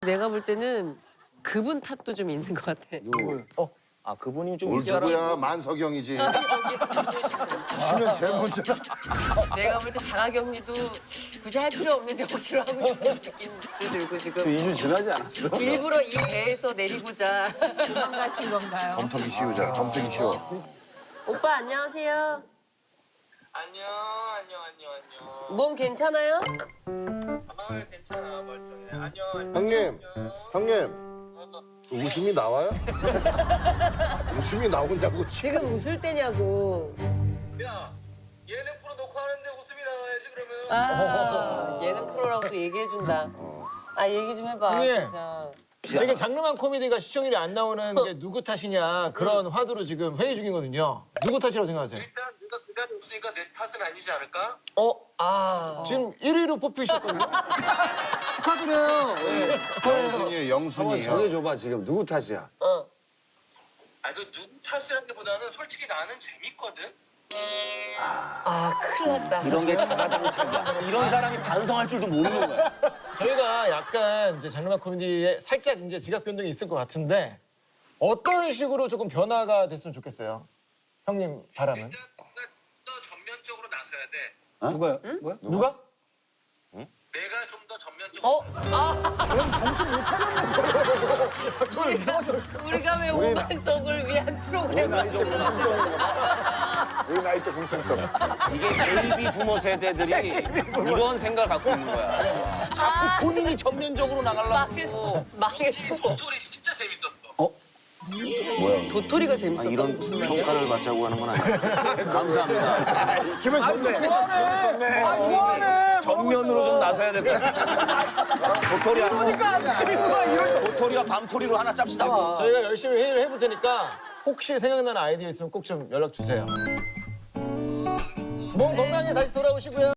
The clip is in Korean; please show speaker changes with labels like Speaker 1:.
Speaker 1: 내가 볼 때는 그분 탓도 좀 있는 것 같아.
Speaker 2: 아 그분이 좀
Speaker 3: 뭘 누구야? 만석영이지. 쉬면 제일 먼저.
Speaker 1: 내가 볼 때 자가격리도 굳이 할 필요 없는데 억지로 하고 있는 느낌도 들고 지금
Speaker 4: 2주 지나지 않았어?
Speaker 1: 일부러 이 배에서 내리고자.
Speaker 5: 도망가신 건가요?
Speaker 3: 덤터기 쉬우자. 덤터기 쉬워.
Speaker 1: 오빠 안녕하세요.
Speaker 6: 안녕.
Speaker 1: 몸 괜찮아요?
Speaker 6: 괜찮아, 멀쩡해. 안녕.
Speaker 3: 형님. 웃음이 나와요? 웃음이 나오냐고 지금.
Speaker 1: 지금 웃을 때냐고.
Speaker 6: 야, 예능 프로 녹화하는데 웃음이 나와야지 그러면.
Speaker 1: 아 예능 프로라고 또 얘기해준다. 아 얘기 좀 해봐
Speaker 7: 형님.
Speaker 1: 진짜.
Speaker 7: 지금 장르만 코미디가 시청률이 안 나오는 게 누구 탓이냐 그런 화두로 지금 회의 중이거든요. 누구 탓이라고 생각하세요?
Speaker 6: 일단 네가 그 자리 없으니까 내 탓은 아니지 않을까?
Speaker 7: 지금 1위로 뽑히셨거든요. 축하드려요.
Speaker 3: 영순이에요, 영순이.
Speaker 4: 한번 정해줘봐 지금 누구 탓이야?
Speaker 6: 아, 그 누구 탓이라기보다는 솔직히 나는 재밌거든.
Speaker 1: 아 큰일 났다.
Speaker 2: 이런 게 자가당착이야. 이런 사람이 반성할 줄도 모르는 거야.
Speaker 7: 저희가 약간 이제 장르만 코미디에 살짝 이제 지각 변동이 있을 것 같은데 어떤 식으로 조금 변화가 됐으면 좋겠어요. 형님 바람은.
Speaker 6: 일단 더 전면적으로 나서야 돼.
Speaker 4: 누가요? 뭐야?
Speaker 7: 누가?
Speaker 6: 내가 좀 더 전면적으로.
Speaker 1: 우리가 왜 오만 속을 위한 프로그램을
Speaker 4: 우리 나이 때 공통점.
Speaker 2: 이게 베이비 부모 세대들이 이런 생각을 갖고 있는 거야. 자꾸 본인이 전면적으로 나가려고.
Speaker 1: 망했어.
Speaker 6: 도토리 진짜 재밌었어.
Speaker 1: 도토리가 재밌었다.
Speaker 2: 이런
Speaker 1: 무슨 말이야?
Speaker 2: 평가를 받자고 하는 건 아니에요. 감사합니다.
Speaker 4: 기분 좋네. 아, 좋아하네.
Speaker 2: 전면으로 좀 나서야 될 것 같아요. 도토리 하나. 도토리와 밤토리로 하나 짭시다.
Speaker 7: 저희가 열심히 회의를 해볼 테니까 혹시 생각나는 아이디어 있으면 꼭 좀 연락 주세요. 몸 건강히 다시 돌아오시고요.